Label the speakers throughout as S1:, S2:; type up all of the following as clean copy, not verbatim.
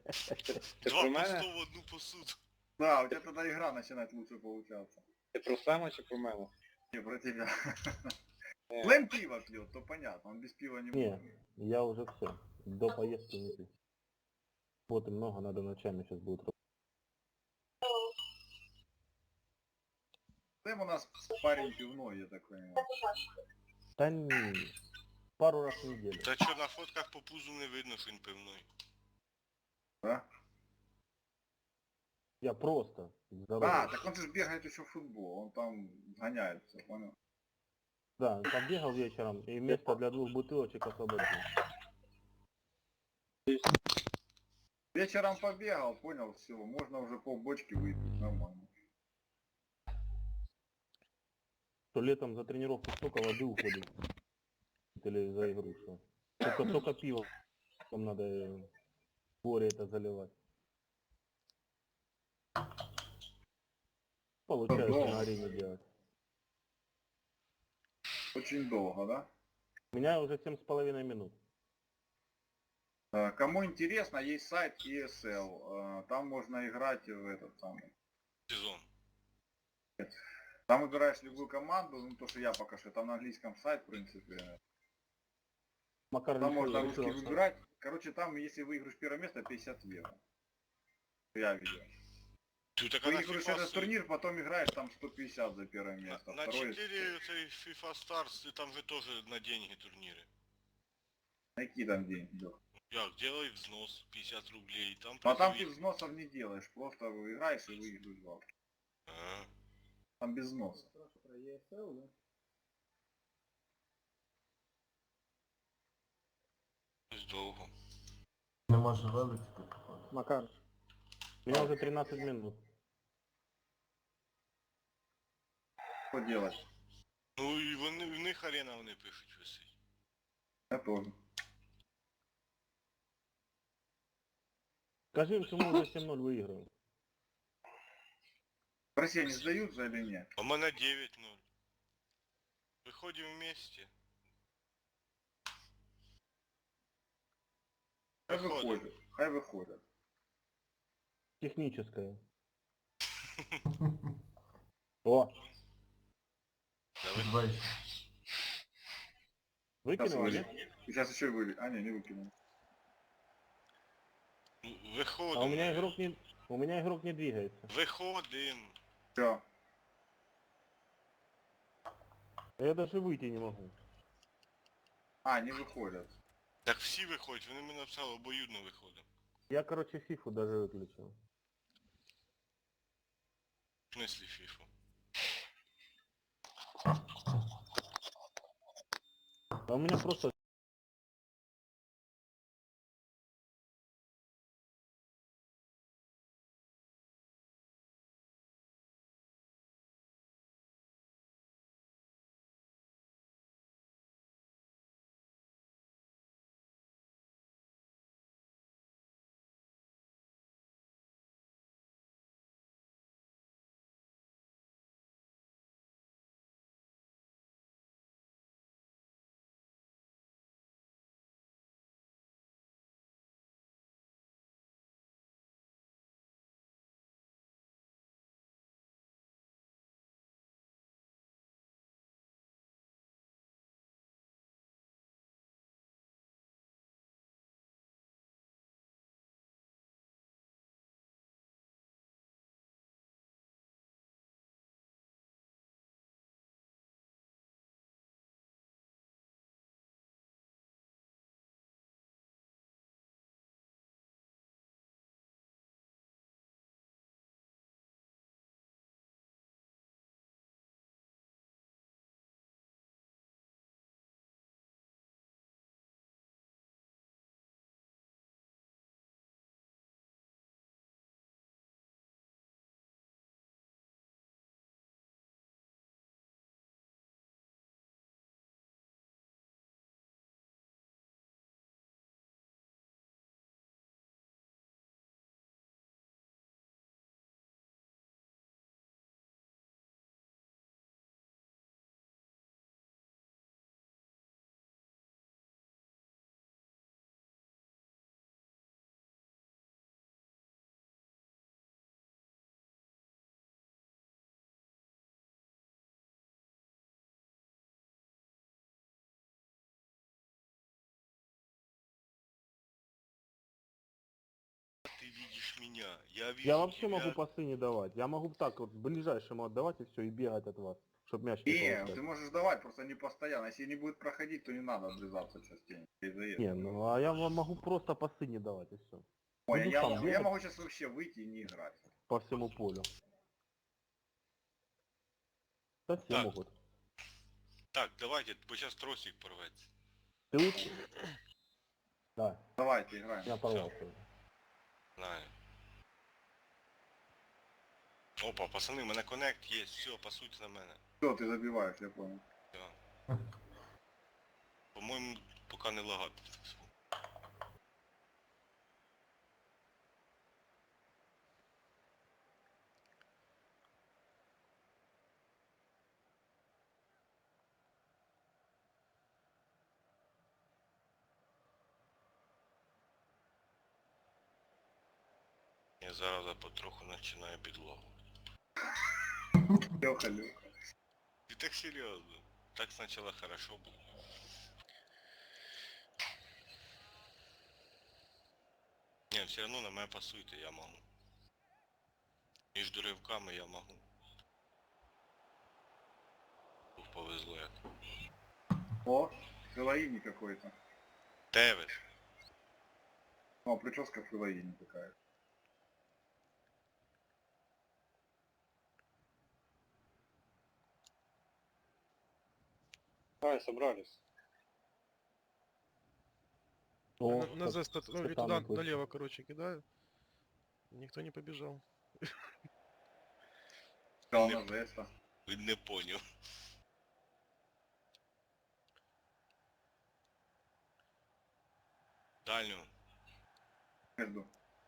S1: Це
S2: Два
S1: про
S2: по
S1: мене?
S2: 100 в одну посуду.
S3: Да, у тебя тогда игра начинает лучше получаться.
S1: Ти про Сема чи про мене?
S3: Не про тебя.
S1: Ні.
S3: Плем пиво пьет, то понятно, он без пива не
S4: Не,
S3: может.
S4: я уже все. До поездки не пью. Вот и много, надо ночами сейчас будет.
S3: Плем у нас парень пивной, я так понимаю.
S4: Да не, пару раз в неделю.
S2: Та що на фотках по пузу не видно, що він пивной.
S3: Да?
S4: Я просто здоровый.
S3: А, так он же бегает еще в футбол, он там гоняется, понял?
S4: Да, побегал вечером и место для 2 бутылочек освободил.
S3: Вечером побегал, понял, все, можно уже полбочки выпить, нормально.
S4: Что летом за тренировку столько воды уходит. Или за игру, что. Только пиво. Там надо горе это заливать. Получается
S3: Долго.
S4: на арене делать.
S3: Очень долго, да?
S4: У меня уже 7,5 минут.
S3: Кому интересно, есть сайт ESL, там можно играть в этот самый.
S2: Сезон.
S3: Там выбираешь любую команду, ну то, что я пока что, там на английском сайт, в принципе.
S4: Макар
S3: Там
S4: решил,
S3: можно
S4: решил
S3: русский выбирать. Короче, там, если выиграешь первое место, 50 евро. Я видел.
S2: Ти така на
S3: Выиграешь
S2: FIFA...
S3: этот турнир, потом играешь там 150 за первое место.
S2: На
S3: Второе...
S2: 4 цей FIFA Stars, там же тоже на деньги турніри.
S3: Какие там деньги? Лёх?
S2: Як, делай взнос 50 рублей, там
S3: Ну а там ты
S2: призові.
S3: взносов не делаешь, просто играешь и выиграешь бабки.
S2: А,
S3: Там без взноса.
S2: ось довго.
S5: Не може вилетіти, походу.
S4: Макар. У меня уже 13 минут.
S3: Что делать?
S2: Ну і вони, в них арена вони пишуть висить.
S3: Я тоже.
S4: Скажи им, что мы уже 7-0 выиграем.
S3: В России они сдаются или нет?
S2: А у мене 9-0. Виходимо вместе.
S3: Хай
S2: Выходим.
S3: выходят. Хай выходят.
S4: Техническое. О,
S2: Давай.
S5: Двічі.
S3: Сейчас,
S4: выкинула, нет?
S3: Сейчас еще вы... А, не выкинул.
S2: Виходимо.
S4: А у меня игрок не двигается.
S2: Виходимо.
S3: Все.
S4: Я даже выйти не могу.
S3: А, не выходят.
S2: Так всі виходять, вони мені написали, обоюдно виходимо.
S4: Я, короче, фифу даже выключил.
S2: В смислі FIFA.
S4: А у меня просто
S2: фигня. Я вижу
S4: Я вообще
S2: тебя.
S4: могу пасы не давать. Я могу так вот ближайшему отдавать и все, и бегать от вас, чтобы мяч не
S3: Не,
S4: получать.
S3: ты можешь давать, просто не постоянно. Если не будет проходить, то не надо облизаться частенько. И заезд.
S4: Не, ну а я вам могу просто пасы не давать и все.
S3: Ой,
S4: Буду
S3: я,
S4: сам
S3: я
S4: бегать
S3: могу сейчас вообще выйти и не играть.
S4: по всему полю. Да все
S2: Так.
S4: могут.
S2: Так, давайте, бо сейчас тросик порветься.
S4: Ты лучше? Да,
S3: Давайте играем.
S4: я порвался уже.
S2: Знаю. Опа, пацани, у мене коннект є, все, пасуйте на мене.
S3: Все, ты забиваешь, я понял.
S2: Все. По-моєму, поки не лагати. Я зараз потроху починаю підлогу.
S3: Леха, Леха.
S2: І так серйозно. Так спочатку хорошо було. Ні, все одно на мене пасуйте, я можу. Між ривками я можу. Ух, повезло як.
S3: О, Филаини какой-то.
S2: Тевес.
S3: О, прическа Филаини такая.
S1: Давай, собрались.
S4: О,
S6: На зест, ну или
S4: Степанов
S6: туда
S4: вышел.
S6: налево, короче, кидаю. Никто не побежал.
S3: Сказал
S2: Не-
S3: на жеста.
S2: Він не поняв. Дальню.
S3: Между.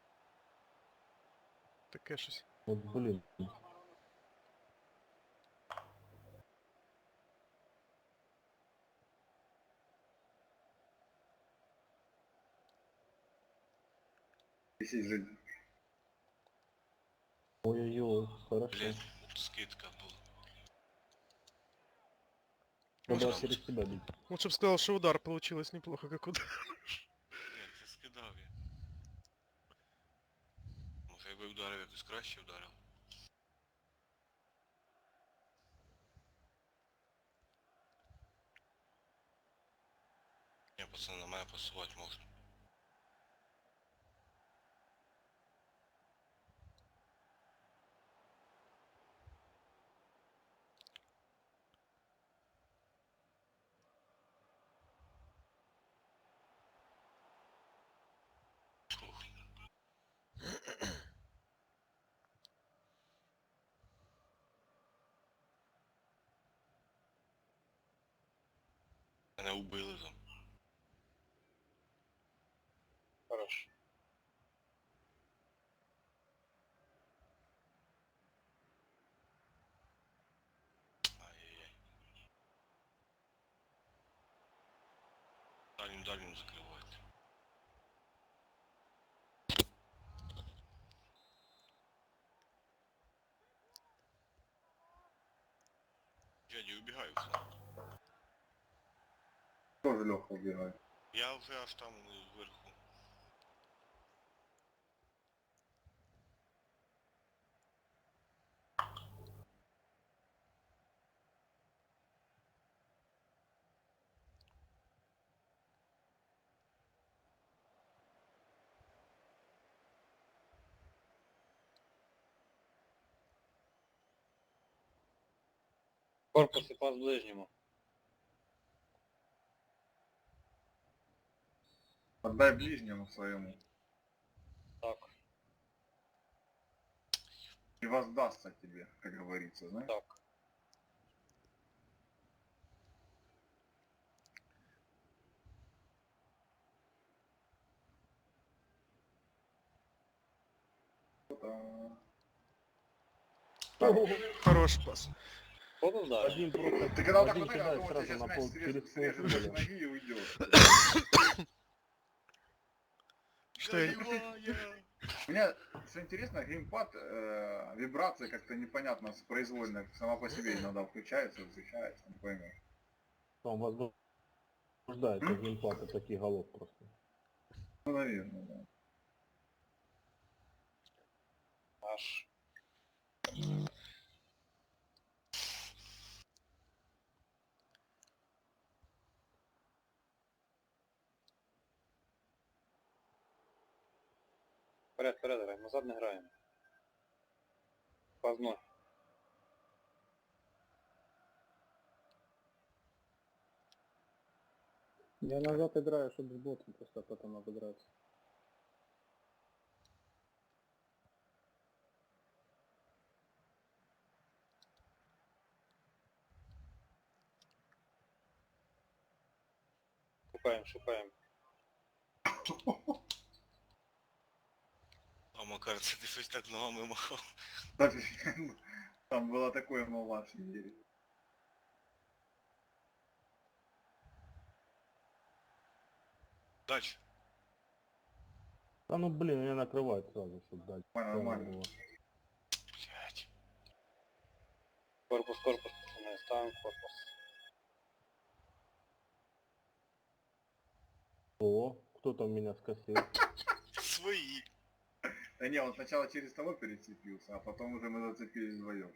S6: Таке щось.
S4: Вот блин.
S3: Висеть жизнь.
S4: Ой-ой-ой, хорошо.
S2: Блін, скидка була.
S4: Надо
S2: Можно?
S4: через себя бить.
S6: Лучше бы сказал, что удар получилось неплохо, как удар.
S2: Ні, це скидав я. Може якби вдарив якось краще вдарив. Ні, пацани, на мене пасувати можна. Ух. Мене убили там.
S1: Хорошо.
S2: Ай-яй-яй. Дальню закривайте. Дядя, убігаю в фланг.
S3: Тоже Леха убегает.
S2: Я вже аж там вверху.
S1: Корпус и пас ближнему.
S3: Отдай ближнему своему.
S1: Так,
S3: И воздастся тебе, как говорится, знаешь?
S1: так.
S6: Хороший пас.
S1: Кто да?
S4: Один просто
S3: Ты когда вот так
S4: один
S3: вот играешь,
S4: кидает
S3: думал, тебе
S4: сразу
S3: сейчас
S4: на
S3: мяч
S4: пол через
S3: срежет с
S4: полполя.
S3: ноги и уйдет.
S6: Что я...
S2: Забиває!
S3: У меня, что интересно, геймпад, вибрация как-то непонятно с произвольной, сама по себе иногда включается, выключается, не поймешь.
S4: Там возбуждается геймпад от таких голов просто.
S3: Ну, наверное, да.
S1: наш. Вперед, вперед, граємо. Назад не граємо. Пазно.
S7: Я назад играю, чтобы с ботом просто потом обыграться.
S1: Шукаємо, шукаємо.
S2: А Макар, це ти щось так ногами махав.
S3: Там было такое мало в мире.
S2: Дач.
S4: Да ну блин, меня накрывает сразу, чтобы дать.
S3: Нормально,
S4: Прямо
S3: нормально.
S4: было.
S2: Блять.
S1: Корпус, корпус, пацани, ставимо корпус.
S4: О, кто там меня скосил?
S2: Свої.
S3: Да не, он сначала через того перецепился, а потом уже мы зацепились вдвоем.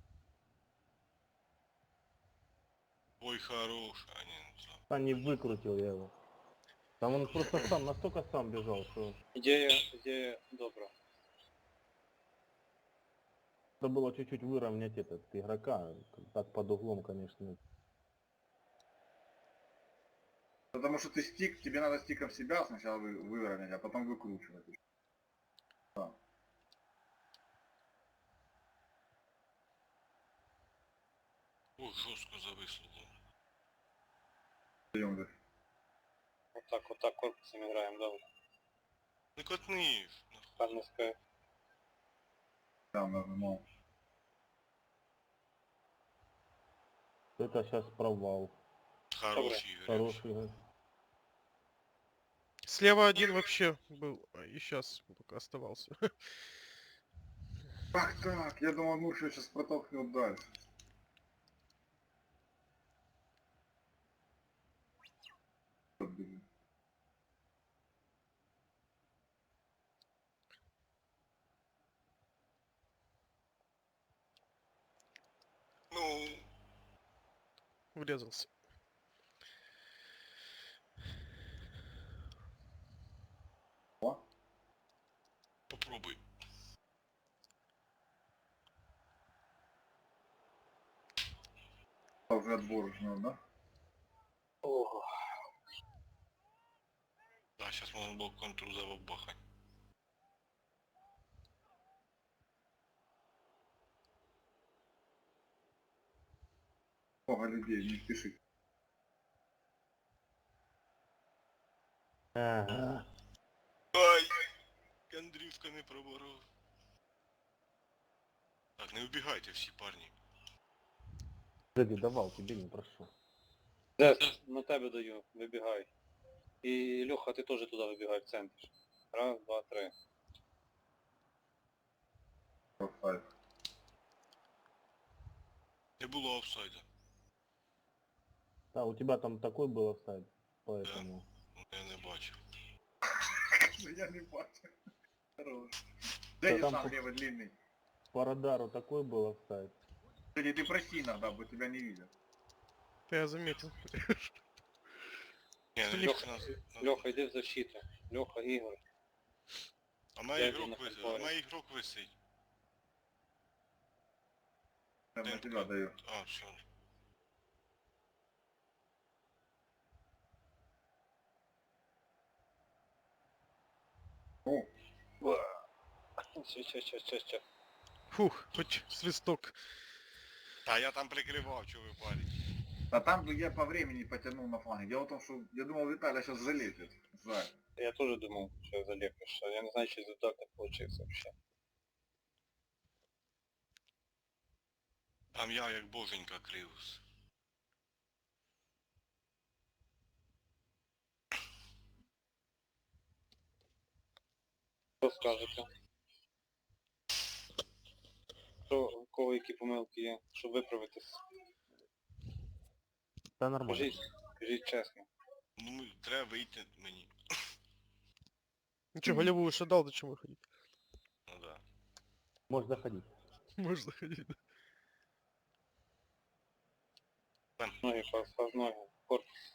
S2: Ой, хорош. А не, ну все.
S4: А не выкрутил я его. Там он просто сам, настолько сам бежал, что
S1: Ідея добра.
S4: надо было чуть-чуть выровнять этот игрока. Так под углом, конечно.
S3: Потому что ты стик, тебе надо стиком себя сначала выровнять, а потом выкручивать. Да.
S2: Ой, жорстко зависло.
S3: Даем, да.
S1: Отак корпусом граємо, добре.
S2: Не котниш. Нахуй.
S1: Карнеска.
S3: Там нажимал.
S4: Это сейчас провал.
S2: Хороший Ігор.
S4: Хороший игрок.
S6: Слева один вообще был, и сейчас только оставался.
S3: Как так? Я думал, Мурша сейчас протолкнет дальше. Вот, блин.
S2: Ну,
S6: Врезался.
S3: О,
S2: попробуй.
S3: а уже отбор уже надо, да?
S1: Ого.
S2: Да, сейчас можно было контур забахать.
S3: Много людей, не спеши.
S4: Ага.
S2: Ай! Андрюшка не проборов. Так, не убегайте всі, парні.
S4: Погоди, давал, тебе не прошу.
S1: Дес, на тебе даю, вибігай. І Льоха, ти теж туди вибігай в центр. Раз, два, три.
S3: Офсайд.
S2: Не було офсайда.
S4: Да, у тебя там такой был офсайд, поэтому...
S2: Ну, я не бачив.
S3: Ну я не бачу. Хорош.
S4: Да
S3: Да
S4: там
S3: сам
S4: по-
S3: левый длинный.
S4: По радару такой был офсайд.
S3: Кстати, ты прости иногда, бы тебя не видят.
S6: Я заметил.
S2: Ні, не
S1: Льоха,
S2: нас.
S1: Льоха, йди в защиту. Льоха, Ігор.
S2: А на
S1: Я
S2: ігрок
S1: йду на
S2: висить. А
S1: контроль.
S2: на ігрок висить.
S3: Я на
S2: Темка.
S3: тебя даю.
S2: А, все.
S3: О,
S1: Че.
S6: Фух, хоть свисток.
S2: Та я там прикривав, що ви парень.
S3: а там бы я по времени потянул на фланге. Дело в том, что я думал, Виталий сейчас залепит. Жаль.
S1: Я теж думав, що заліпиш. Я не знаю, чи результат так получився взагалі.
S2: Там я як боженька кривився.
S1: Що скажете? Що, у кого які помилки є, щоб виправитись?
S4: Да нормально.
S1: Кажіть чесно.
S2: Ну, треба вийти мені.
S6: Ничего, голевую шо дал, зачем выходить?
S2: Ну да.
S4: Можешь заходить.
S6: Можешь заходить.
S1: Ноги по ноги. Корпус.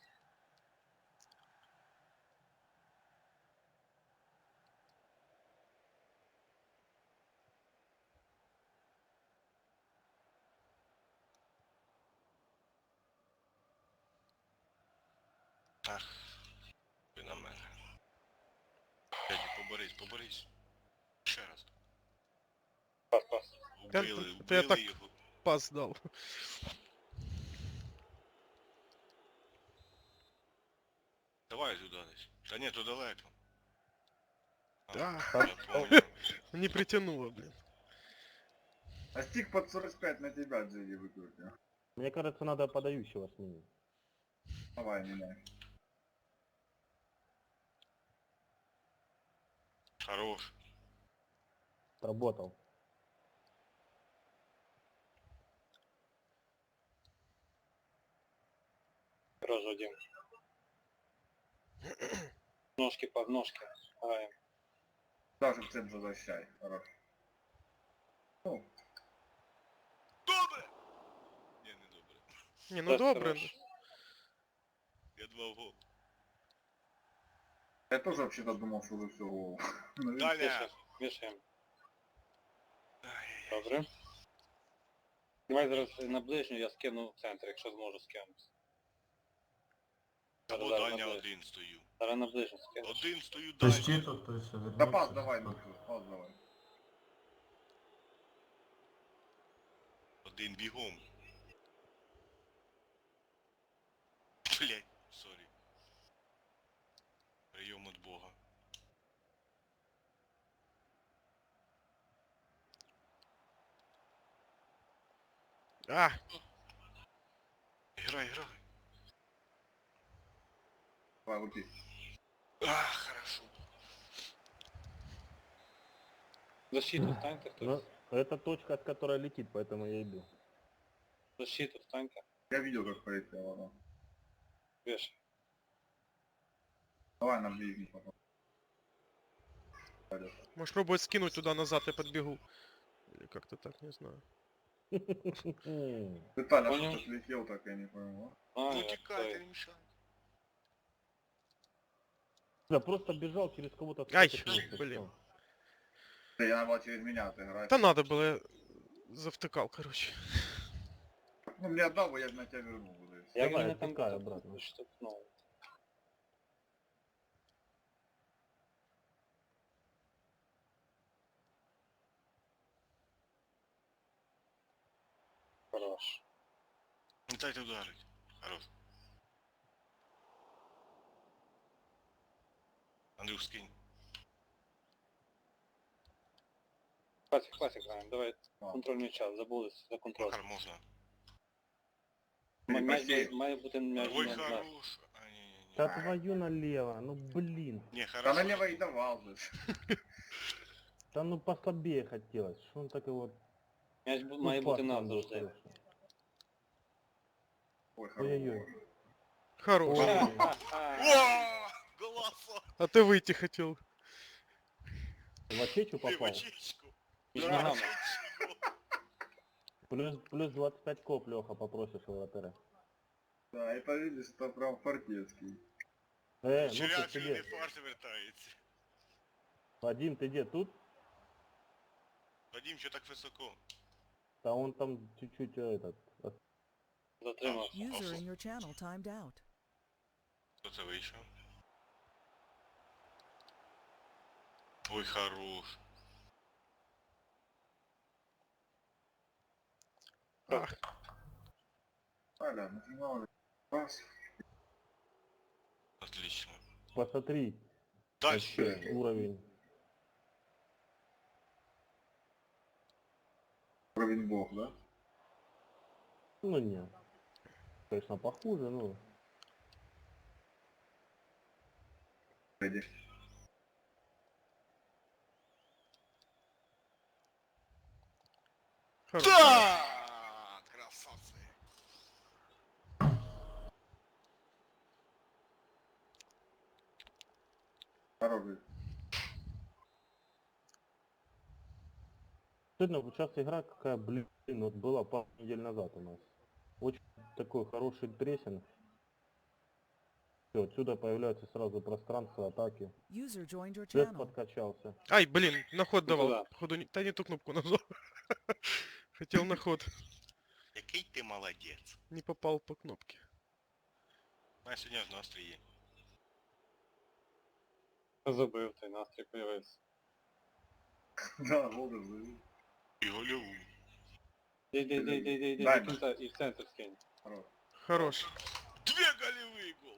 S2: Ах, ти на мене. Дядю, поборись. Ще раз.
S1: Пас.
S6: Я так
S2: Убили його.
S6: пас дал.
S2: Давай сюди десь. Та ні, то далеко.
S6: Да.
S2: Я понял.
S6: Не притянуло, блин.
S3: А стик под 45 на тебя, Джиги, выкрутил.
S4: Мне кажется, надо подающего сменить.
S3: Давай, меняй.
S2: Хорош.
S4: Сработал.
S1: Хорош, Вадим. Ножки под ножки. Ай.
S3: Даже в центр возвращай. Хорош. Ну,
S2: Добре! Ні, не добре.
S6: Не, ну
S1: Да,
S6: добре.
S1: хорош.
S2: Я 2 в гол.
S3: я тоже вообще-то думал, что вы все голову. Ну, видишь,
S2: Даля!
S1: Вішаємо.
S2: Ай-яй-яй.
S1: Добре. Давай зараз на ближню я скину в центр, якщо зможу скинути.
S2: Або
S1: Зараз
S2: дальня
S1: на ближню.
S2: один стою.
S1: Зараз на ближню скину.
S2: Один стою
S5: Ты
S2: дальня.
S5: щит тут, то все
S3: Да пас
S5: вернется.
S3: давай, пас давай.
S2: Один бігом. Блять, сорі. Прийом від Бога.
S6: А,
S2: Грай.
S3: Давай, лупи.
S2: Хорошо.
S1: Защиту встаньте
S4: Но
S1: хтось.
S4: это точка, от которой летит, поэтому я иду.
S1: Защиту встаньте.
S3: Я видел, как полетела она.
S1: Вешай.
S3: Давай на ближний потом. Пойдёт.
S6: можешь пробовать скинуть туда назад, я подбегу. Или как-то так, не знаю.
S3: Ты, Таля,
S1: Понял.
S3: что ты летел, так я не пойму.
S2: Ну
S1: я
S2: тікайте,
S1: той.
S2: не мішай.
S4: Я просто бежал через кого-то.
S6: Ай,
S4: спотыкнулся,
S6: блин.
S4: всё.
S3: Да я надо было через меня отыграть.
S6: Да надо было, я завтыкал, короче.
S3: Ну, мне отдал бы, я бы на тебя вернул. бы, да и всё.
S1: Я
S4: Давай,
S1: мене там
S4: отпускай обратно.
S1: штовхнув. Хорош.
S2: Не дайте ударить. Хорош. Андрюх, скинь.
S1: Класик граємо, давай контрольний час, забулись за контроль.
S2: Макар, можна.
S3: Ты не
S1: М'яч
S3: просеешь.
S1: має бути м'яч
S2: Ой,
S1: на нас.
S2: хорош. А, не.
S4: Да твою налево, ну блин.
S2: Не,
S3: Да
S2: хорошо.
S3: налево и давал бы.
S4: Да ну послабее хотелось. Что он так его...
S1: М'яч
S4: Ну,
S1: має
S4: пас
S1: бути
S4: там
S1: нас
S4: был
S1: завжди.
S4: хороший.
S3: Ой, хорош.
S4: Ой-ой-ой.
S6: Хорош.
S4: Ой.
S2: О, голоса!
S6: А ты выйти хотел.
S4: В очечу
S2: Ты в
S4: попал.
S2: очечку.
S1: Між
S2: Да,
S1: ногами.
S2: очечку.
S4: Плюс 25 коп, Леха, попросишь у вратаря.
S3: Да, это видишь, это прям фортецкий.
S4: Ну ты
S2: Вчорашній не
S4: где?
S2: фарс вертається.
S4: Вадим, ты где? Тут?
S2: Вадим, що так високо?
S4: Да он там чуть-чуть этот...
S1: Затримався.
S8: User in your channel timed out.
S2: Хто це вийшов? Ой, хорош.
S6: А,
S3: Таля, нажимал. Пас.
S2: Отлично.
S4: Посмотри,
S2: Дальше.
S4: вообще уровень.
S3: Уровень бог, да?
S4: Ну нет. Конечно, похуже, но...
S3: Пойди.
S6: хорош.
S2: Да! Красавцы.
S3: Хороший.
S4: Стыдно, вот сейчас игра какая, блин, вот была пару недель назад у нас. Очень такой хороший прессинг. Все, отсюда появляется сразу пространство атаки.
S8: User joined your
S4: Дэс
S8: channel.
S4: подкачался.
S6: Ай, блин, на ход
S1: Ну
S6: давал.
S1: туда.
S6: Походу, да не ту кнопку нажал. Хотел на ход.
S2: Який ти молодець.
S6: Не попал по кнопке.
S2: У мене сьогодні ж настрій є.
S1: Забив той настрій появився.
S3: Да, голдер завел.
S2: І гольову.
S1: Йди,
S3: Дай
S1: до кінця і в центр скинь.
S3: Хорош.
S6: Хорош.
S2: Дві голевий гол.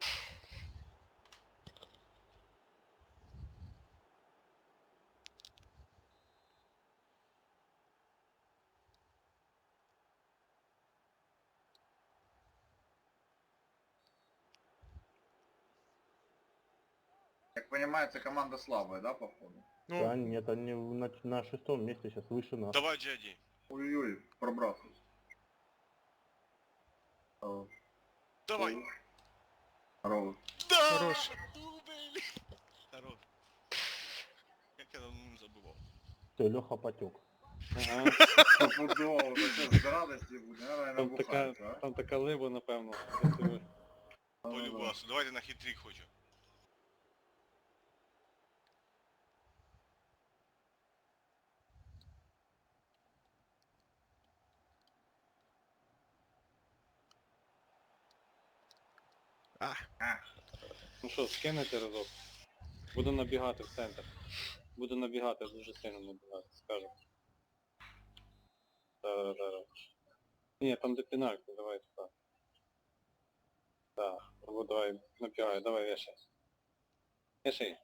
S3: Как понимается, команда слабая, да, походу?
S6: Ну,
S4: Да, нет, они на шестом месте сейчас выше нас.
S2: Давай, Джаді.
S3: Ой-ой, пробрасывай. Хорош.
S2: Давай.
S3: Хорош.
S2: Да!
S6: Хорош.
S2: Дубль. Хорош. Як я давно не забував.
S4: Все, Леха потек.
S1: Ага.
S3: Стопудово, это что, с радости будет, наверное,
S1: Там така,
S3: набухается, а?
S1: там така либа, напевно. красива.
S2: Полюбасу. Давайте на хитрик хочу.
S6: а,
S1: Ну що, скинете разок? Буду набігати в центр. Буду набігати, дуже сильно набігати, скажу. Да. Ні, там де пенальти, давай туди. Так, давай, набігай, давай вешай. Вешай.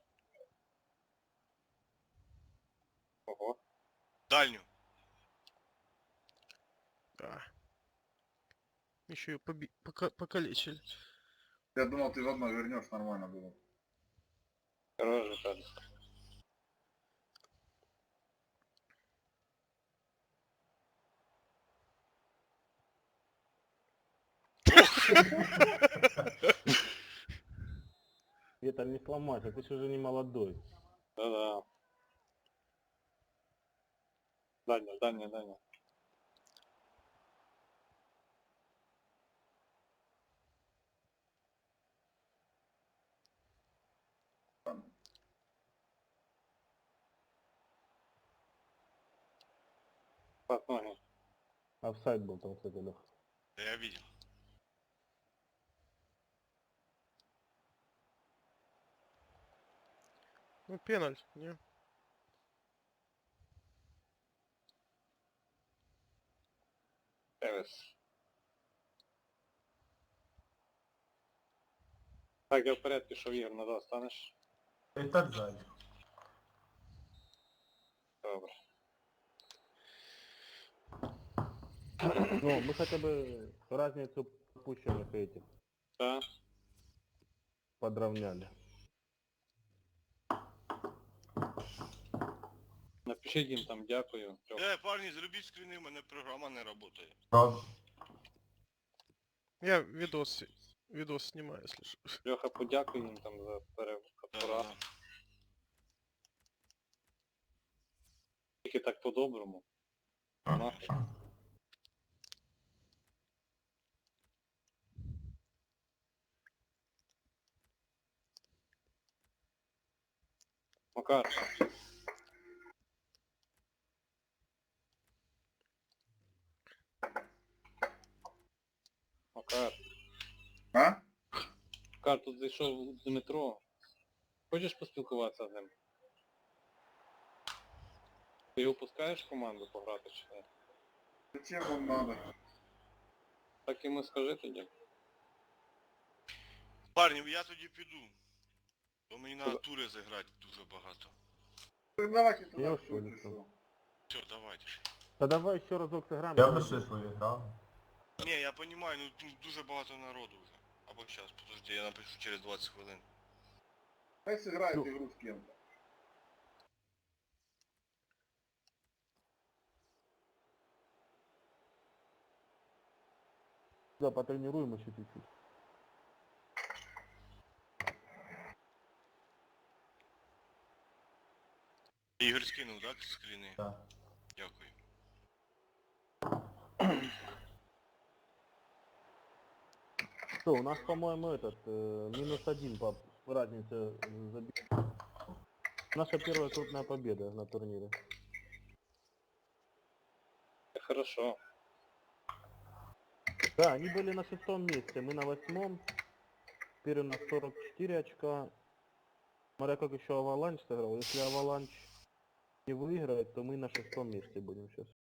S1: Ого.
S2: Дальню.
S6: да. Еще и покалечили.
S3: Я думал, ты в одно вернешь, нормально было.
S1: Хороший шаг.
S4: Это не сломать, ты же уже не молодой.
S1: Да-да. Дальня. Пас ноги.
S4: Офсайд был там, кстати, Леха.
S2: Да я видел.
S6: Ну, пеналь, не?
S1: Тевес. Так, я вперед пішов, Ігор, назад станеш?
S5: И так сзади.
S1: Добре.
S4: Ну, мы хотя бы разницу опущенных этих
S1: Так.
S4: подровняли.
S1: Напишіть їм там дякую.
S2: Парні, зробіть скріни, в мене програма не працює.
S5: Правда?
S6: Я видос снимаю, если что.
S1: Льоха, подякуй їм там за перепорад.
S2: Да.
S1: Тільки так по-доброму. Нахуй. Макар. Макар.
S3: А?
S1: Макар, тут зайшов Дмитро. Хочеш поспілкуватися з ним? Ти його пускаєш в команду пограти чи ні?
S3: Зачем вам надо?
S1: Так йому скажи тоді.
S2: Парні, я тоді піду. Бо мені на тури зіграти дуже багато.
S3: Ты давайте туда
S4: Я
S3: всё,
S4: ушел,
S3: ты
S4: ушел.
S3: что?
S2: Все, давайте.
S4: Да давай еще разок сыграем.
S5: Я бы свою играл.
S2: Ні, я розумію, ну тут дуже багато народу вже. Або зараз, подожди, я напишу через 20 хвилин.
S3: Хай сыграет
S4: Ну.
S3: игру с кем-то.
S4: Да, потренируем еще чуть-чуть.
S2: Ігор скинув, так, скріни?
S5: Да.
S2: Дякую.
S4: Что, у нас, по-моему, -1 по разнице забить. Наша первая крупная победа на турнире.
S1: Хорошо.
S4: Да, они были на 6-м месте, мы на 8-м. Теперь у нас 44 очка. Смотря как еще Аваланч сыграл. Если Аваланч не выиграет, то мы на 6-м месте будем сейчас.